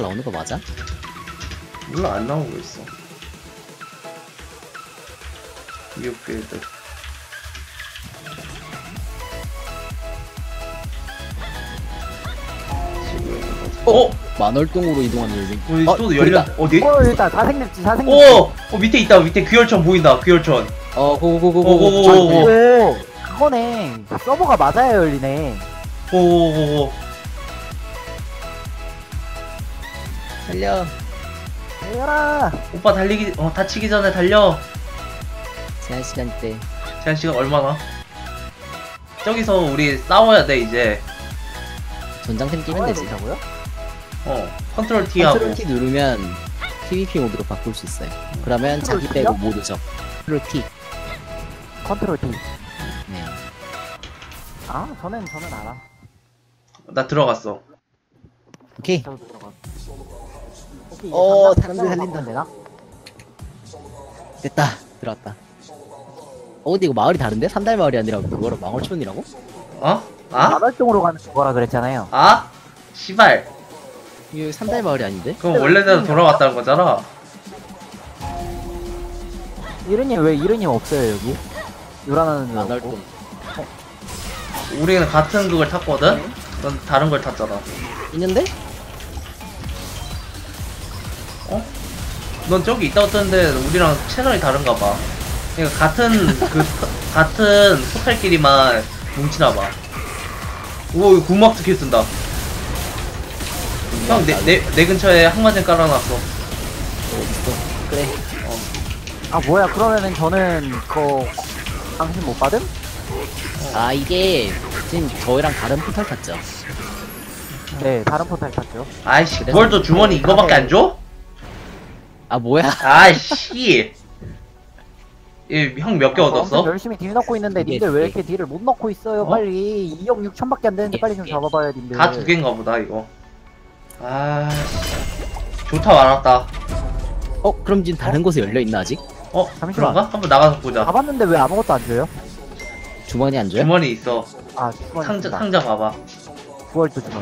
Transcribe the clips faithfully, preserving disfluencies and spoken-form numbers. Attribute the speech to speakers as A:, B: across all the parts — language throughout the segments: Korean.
A: 나오는 거 맞아?
B: 몰라, 안 나오고 있어. 미국 빌드. 어?
A: 만월동으로 이동하는 열린.
B: 우리
A: 어,
B: 또 열려.
A: 보인다.
B: 어디?
C: 어 일단 다 생겼지 다 생겼지.
B: 오! 어, 밑에 있다. 밑에 귀열천 보인다. 귀열천.
A: 어, 고고고고고.
B: 오오오오.
C: 오 그거네. 서버가 맞아야 열리네.
B: 오오오오.
A: 달려.
C: 달려라.
B: 오빠 달리기, 어, 다치기 전에 달려.
A: 제한 시간 때.
B: 제한 시간 얼마나? 저기서 우리 싸워야 돼, 이제.
A: 전장템 끼면 되지.
C: 된다고요?
B: 어, 컨트롤 T하고.
A: 컨트롤 T 누르면 피브이피 모드로 바꿀 수 있어요. 그러면
C: 컨트롤
A: 자기
C: T요?
A: 빼고 모두 적. 컨트롤 T.
C: 컨트롤 T.
A: 네.
C: 아 저는 저는 알아.
B: 나 들어갔어.
A: 오케이.
C: 저도 들어가. 오케이,
A: 어,
C: 이제
A: 사람들
C: 삼장
A: 살린다.
C: 바꾸면 되나?
A: 됐다. 들어왔다. 어, 근데 이거 마을이 다른데? 산달 마을이 아니라 그거로 망월촌이라고?
B: 어? 아?
C: 마발동으로 가는 거라 그랬잖아요.
B: 아? 시발.
A: 이거 산달 마을이 아닌데?
B: 그럼 원래대로 돌아왔다는 거잖아.
C: 이른님 왜 이른님 없어요 여기? 요란하는 거
A: 만월동.
C: 없고.
B: 우리는 같은 그걸 탔거든? 넌 다른 걸 탔잖아.
A: 있는데?
B: 어? 넌 저기 있다 왔던데 우리랑 채널이 다른가 봐. 그러니까 같은 그 같은 포탈끼리만 뭉치나 봐. 오, 이거 군막 스킬 쓴다. 형, 내, 내, 내 근처에 항마젠 깔아놨어.
A: 어딨어? 그래.
C: 아 뭐야 그러면은 저는 그 당신 못 받음?
A: 아, 이게 지금 저희랑 다른 포탈 탔죠?
C: 네 다른 포탈 탔죠.
B: 아이씨,
A: 그래서-
B: 그걸 또 주머니 이거밖에 안 줘?
A: 아, 뭐야?
B: 아이씨. 형 몇 개
C: 아, 저 엄청
B: 얻었어?
C: 열심히 딜 넣고 있는데
A: 두 개,
C: 님들
A: 두
C: 왜
A: 개.
C: 이렇게 딜을 못 넣고 있어요?
B: 어?
C: 빨리 이억 육천밖에 안 되는데
A: 두 개,
C: 빨리 좀
A: 두 개.
C: 잡아봐요 님들.
B: 다 두 개인가 보다, 이거. 아, 좋다 말았다.
A: 어, 그럼 지금 다른 곳에 열려있나, 아직?
B: 어,
C: 잠시만.
B: 그런가? 한번 나가서 보자.
C: 잡았는데 왜 아무것도 안 줘요?
A: 주머니 안 줘요?
B: 주머니 있어.
C: 아 주머니
B: 상자,
C: 있다.
B: 상자 봐봐.
C: 구월도 주머니.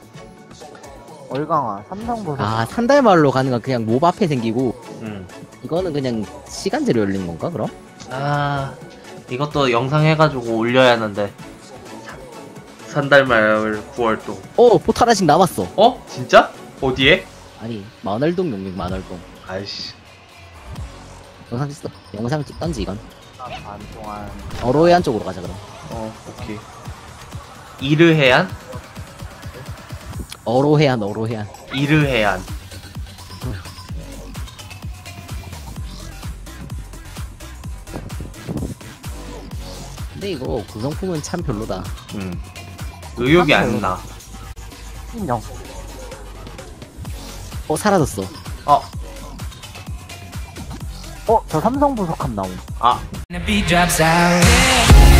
C: 얼강화 삼성보석.
A: 아, 산달 마을로 가는 건 그냥 몹 앞에 생기고,
B: 응.
A: 이거는 그냥 시간제로 열린 건가, 그럼?
B: 아, 이것도 영상 해가지고 올려야 하는데. 산달마을 구월도.
A: 어, 포탈 아직 남았어.
B: 어? 진짜? 어디에?
A: 아니, 만월동 용맹 만월동.
B: 아이씨.
A: 영상 찍어. 영상 찍던지, 이건.
C: 반 동안.
A: 어로해안 쪽으로 가자, 그럼.
B: 어, 오케이. 이르해안?
A: 어로해안, 어로해안.
B: 이르해안.
A: 근데 이거 구성품은 참 별로다.
B: 응. 의욕이 안 나.
C: 인정.
A: 어, 사라졌어.
B: 어,
C: 어 저 삼성 보석함 나옴.
B: 아.
D: And the beat drops out.